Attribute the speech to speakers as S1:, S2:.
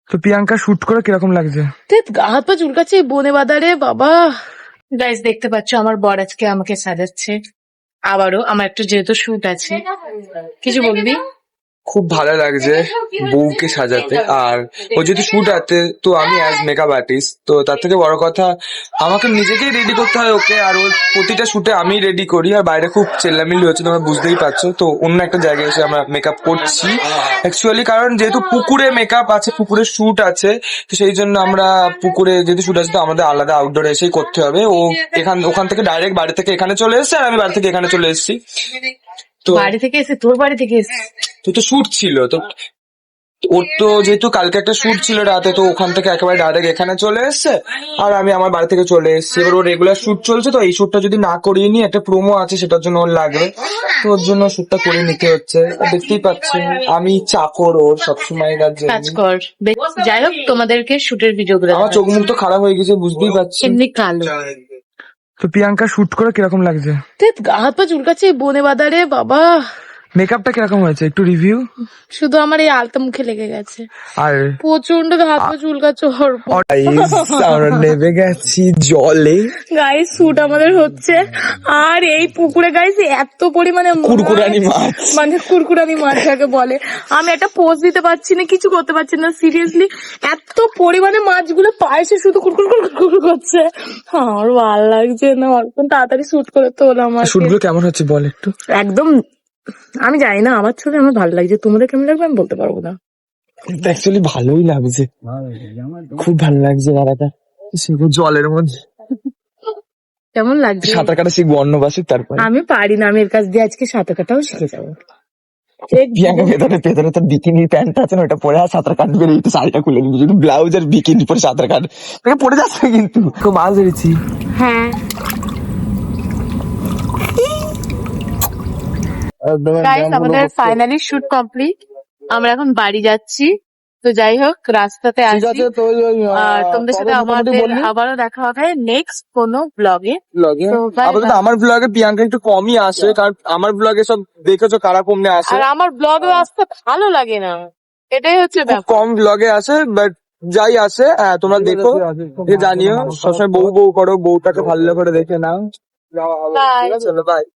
S1: তো প্রিয়াঙ্কা শুট করে কিরকম লাগছে?
S2: গা হাত পা চুলকাচ্ছে বনে বাদারে বাবা। গাইস দেখতে পাচ্ছ আমার বর আজকে আমাকে সাজাচ্ছে। আবারও আমার একটা যেহেতু শুট আছে। কিছু বলবি?
S1: খুব ভালো লাগছে বউকে সাজাতে। আর ও যদি শুট আছে তো আমি অ্যাজ মেকআপ আর্টিস্ট, তো তার থেকে বড় কথা আমাকে নিজেকেই রেডি করতে হয় ওকে। আর ওর প্রতিটা শুটে আমি রেডি করি। আর বাইরে খুব চেল্লামিল্লি হচ্ছে, তোমরা বুঝতেই পারছো। তো অন্য একটা জায়গায় এসে আমরা মেকআপ করছি অ্যাকচুয়ালি, কারণ যেহেতু পুকুরে মেকআপ আছে, পুকুরে শুট আছে, তো সেই জন্য আমরা পুকুরে যেহেতু শুট আছে তো আমাদের আলাদা আউটডোরে এসেই করতে হবে। ও ওখান থেকে ডাইরেক্ট বাড়ি থেকে এখানে চলে এসেছে, আর আমি বাড়ি থেকে এখানে চলে এসেছি। তো
S2: বাড়ি থেকে এসে তোর বাড়ি থেকে এসে
S1: তো শুট ছিল, তো ওর তো যেহেতু কালকে একটা শুট ছিল রাতে, তো ওখান থেকে একেবারে ডাইরেক্ট এখানে চলে এসেছে। আর আমি আমার বাড়ি থেকে চলে এসেছি। এবার ওর রেগুলার শুট চলছে, তো এই শুটটা যদি না করিয়ে নি, একটা প্রোমো আছে সেটার জন্য ওর লাগবে, তো ওর জন্য শুটটা করে নিতে হচ্ছে। আর দেখতেই পাচ্ছি আমি চাকর ওর সবসময়।
S2: কাজ কর। যাই হোক তোমাদেরকে শুটের ভিডিও গুলো
S1: আমার চোখ মুখ তো খারাপ হয়ে গেছে, বুঝতেই পারছি।
S2: এমনি কালো।
S1: তো প্রিয়াঙ্কা শুট করে কিরকম লাগছে?
S2: গা হাত পা চুলকাচ্ছে বনে বাদারে বাবা।
S1: মেকআপটা কিরকম হয়েছে একটু রিভিউ?
S2: শুধু আমার এই আলতা মুখে লেগে গেছে,
S1: আর
S2: প্রচন্ড হাত পা চুলকাচ্ছে।
S1: আমরা নেমে গেছি জলে।
S2: গাইস শুট আমাদের হচ্ছে, আর এই পুকুরে গাইস এত পরিমাণে
S1: কুরকুরানি মাছ,
S2: মানে কুরকুরানি মাছ যাকে বলে, আমি একটা পোজ দিতে পারছি না, কিছু করতে পারছি না সিরিয়াসলি। এত পরিমাণে মাছগুলো পায়েসে শুধু কুরকুর কুরকুর করছে। আমার ভালো লাগছে না, অল্প তাড়াতাড়ি শুট করে তোল আমার।
S1: শুটগুলো কেমন হচ্ছে বল একটু।
S2: একদম আমি জানি না, আমার ছবি আমার ভালো লাগছে, তোমাদের কেমন লাগবে আমি বলতে পারবো না।
S1: অ্যাকচুয়ালি ভালোই লাগছে, খুব ভালো লাগছে দাদাটা জলের মধ্যে।
S2: কেমন লাগছে?
S1: সাঁতার কাটা শিখবো অন্নবাসী, তারপরে
S2: আমি পারি না, আমি এর কাছ দিয়ে আজকে সাঁতার কাটাও শিখে যাবো।
S1: প্রিয়াঙ্কা ভেতরে ভেতরে তোর বিকিনি প্যান্ট আছে না, ওটা পরে আর সাঁতার কাটবে, একটু শাড়িটা খুলে নিবি, যদি ব্লাউজ আর বিকিনি পরে সাঁতার কাট পড়ে যাচ্ছে কিন্তু। খুব মাছ ধরেছি।
S2: হ্যাঁ গাইস আমাদের ফাইনালি শুট কমপ্লিট, আমরা এখন বাড়ি যাচ্ছি। তো যাই হোক রাস্তাতে আসি, আর তোমাদের সাথে আমাদের আবারও দেখা হবে নেক্সট কোনো ব্লগে।
S1: আপাতত আমার ব্লগে প্রিয়াঙ্কা একটু কমই আসে, কারণ আমার ব্লগে সব দেখেছো কারা কমনে আসে।
S2: আর আমার ব্লগে আসতে ভালো লাগে না, এটাই হচ্ছে ব্যাপার।
S1: কম ব্লগে আসে, বাট যাই আসে তোমরা দেখো, জানিও। সবসময় বউ বউ করো, বউটাকে ভালো করে দেখে নাও।
S2: বাই।
S1: চলো বাই।